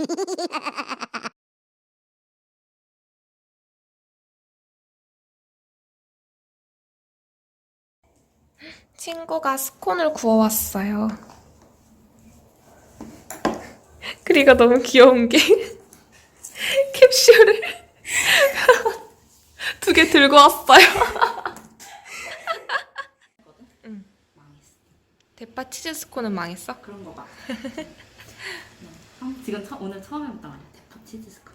친구가 스콘을 구워왔어요. 그리고 너무 귀여운 게 캡슐을 2개 들고 왔어요. 응. 대파 치즈 스콘은 망했어? 그런 거 봐. 지금 오늘 처음 해봤단 말이야. 대파 치즈 스콘.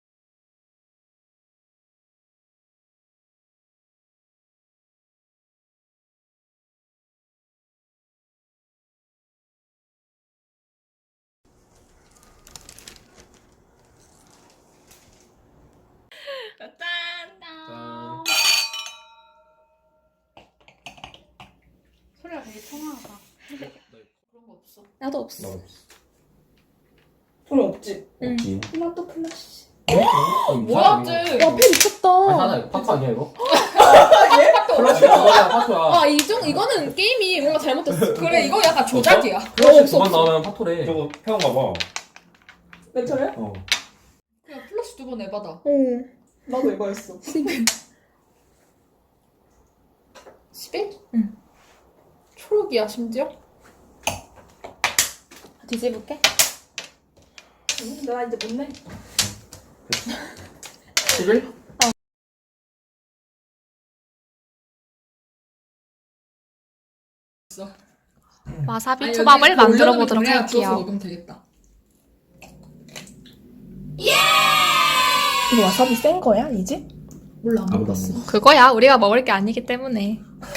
짠! 소리가 되게 청아하다. 그런 거 없어. 나도 없어. 소리 없지? 응. 토마토 플러시. 뭐야, 쟤? 와, 펜 미쳤다. 하나 파토 아니야 이거? 플러시 그거야 파토야. 아, 이거는 게임이 뭔가 잘못됐어. 그래, 이거 약간 조작이야. 플러시 두번 나오면 파토래. 저거 태워가 봐. 내 차례? 어. 그냥 플러시 2번 해봐다. 어. 나도 이거 했어. 11? 응. 초록이야, 심지어? 뒤집을게. 나 이제 못 내. 11? 와사비 아니, 초밥을 여기 만들어 올려놓으면 보도록 그래야 구워서 할게요. 먹으면 되겠다. 이거 와사비 센 거야, 이제? 몰라, 안 먹어봤어. 그거야. 우리가 먹을 게 아니기 때문에.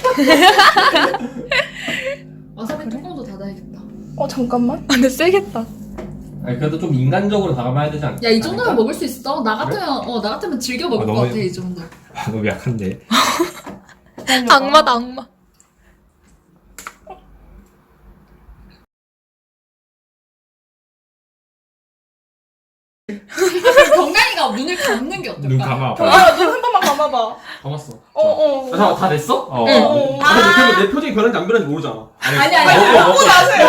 와사비 뚜껑도 닫아야겠다. 잠깐만. 근데 세겠다. 아니 그래도 좀 인간적으로 다가봐야 되지 않? 야, 이 정도면 먹을 수 있어. 나 같으면 즐겨 먹을 것 너무- 같아, 이 정도. 너무 약한데. 악마다, 악마. 건강이가 눈을 감는 게 어떨까? 눈 감아. 눈 한 번만 감아봐. 감았어. 어. 잠깐 다 됐어? 어. 응. 아, 내 표정이 변한지 안 변한지 모르잖아. 아니. 먹고 나세요.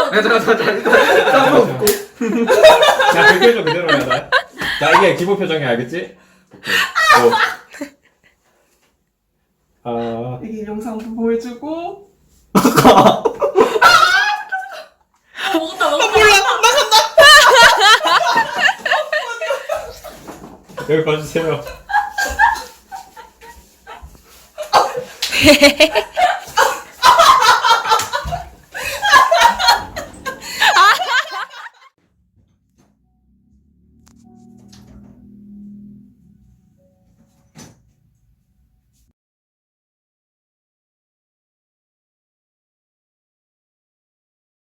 잠깐 먹고. 자, 그 표정 그대로 해야 돼. 자, 이게 기본 표정이야, 알겠지? 오케이. 이게 영상도 보여주고. 먹었다. 여기 봐주세요.